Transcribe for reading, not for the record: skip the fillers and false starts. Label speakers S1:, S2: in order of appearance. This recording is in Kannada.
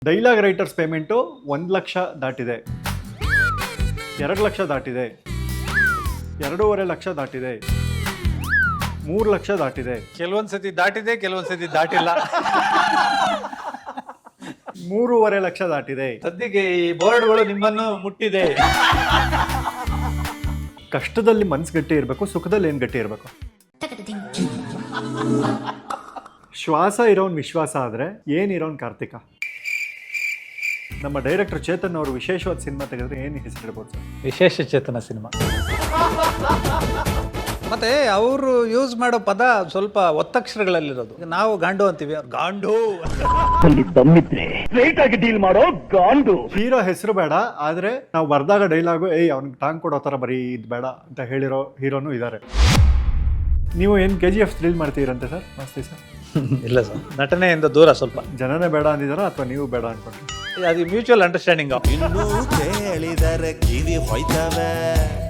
S1: ಡೈಲಾಗ್ ರೈಟರ್ಸ್ ಪೇಮೆಂಟು 1 ಲಕ್ಷ ದಾಟಿದೆ, 2 ಲಕ್ಷ ದಾಟಿದೆ, 2.5 ಲಕ್ಷ ದಾಟಿದೆ, 3 ಲಕ್ಷ ದಾಟಿದೆ.
S2: ಕೆಲವೊಂದ್ಸತಿ ದಾಟಿದೆ, ಕೆಲವೊಂದ್ಸತಿ ದಾಟಿಲ್ಲ.
S1: 3.5 ಲಕ್ಷ ದಾಟಿದೆ.
S2: ಸದ್ಯಕ್ಕೆ ಈ ಬೋರ್ಡ್ಗಳು ನಿಮ್ಮನ್ನು ಮುಟ್ಟಿದೆ.
S1: ಕಷ್ಟದಲ್ಲಿ ಮನ್ಸು ಗಟ್ಟಿ ಇರಬೇಕು, ಸುಖದಲ್ಲಿ ಏನು ಗಟ್ಟಿ ಇರಬೇಕು? ಶ್ವಾಸ ಇರೋನ್ ವಿಶ್ವಾಸ ಆದರೆ ಏನಿರೋನ್ ಕಾರ್ತಿಕ. ನಮ್ಮ ಡೈರೆಕ್ಟರ್ ಚೇತನ್ ಅವರು ವಿಶೇಷವಾದ ಸಿನಿಮಾ ತೆಗೆದ್ರೆ ಏನು ಹೆಸರಿಡ್ಬೋದು ಸರ್?
S2: ವಿಶೇಷ ಚೇತನ ಸಿನಿಮಾ. ಮತ್ತೆ ಅವರು ಯೂಸ್ ಮಾಡೋ ಪದ ಸ್ವಲ್ಪ ಒತ್ತಕ್ಷರಗಳಲ್ಲಿರೋದು. ನಾವು ಗಾಂಡು ಅಂತೀವಿ, ಗಾಂಡು.
S1: ಹೀರೋ ಹೆಸರು ಬೇಡ, ಆದ್ರೆ ನಾವು ಬರ್ದಾಗ ಡೈಲಾಗು ಅವ್ನಿಗೆ ಟಾಂಗ್ ಕೊಡೋ ಥರ ಬರೀ ಇದು ಬೇಡ ಅಂತ ಹೇಳಿರೋ ಹೀರೋನು ಇದ್ದಾರೆ. ನೀವು ಏನು KGF ಥ್ರಿಲ್ ಮಾಡ್ತೀರಂತೆ ಸರ್? ಮಸ್ತಿ ಸರ್.
S2: ಇಲ್ಲ ಸರ್, ನಟನೆಯಿಂದ ದೂರ ಸ್ವಲ್ಪ.
S1: ಜನನೇ ಬೇಡ ಅಂದಿದಾರ ಅಥವಾ ನೀವು ಬೇಡ ಅನ್ಕೊಂಡ್ರಿ?
S2: ಅದು ಮ್ಯೂಚುವಲ್ ಅಂಡರ್ಸ್ಟ್ಯಾಂಡಿಂಗ್.
S3: ಇನ್ನೂ ಕೇಳಿದರೆ ಕಿವಿ ಹೋಯ್ತವೆ.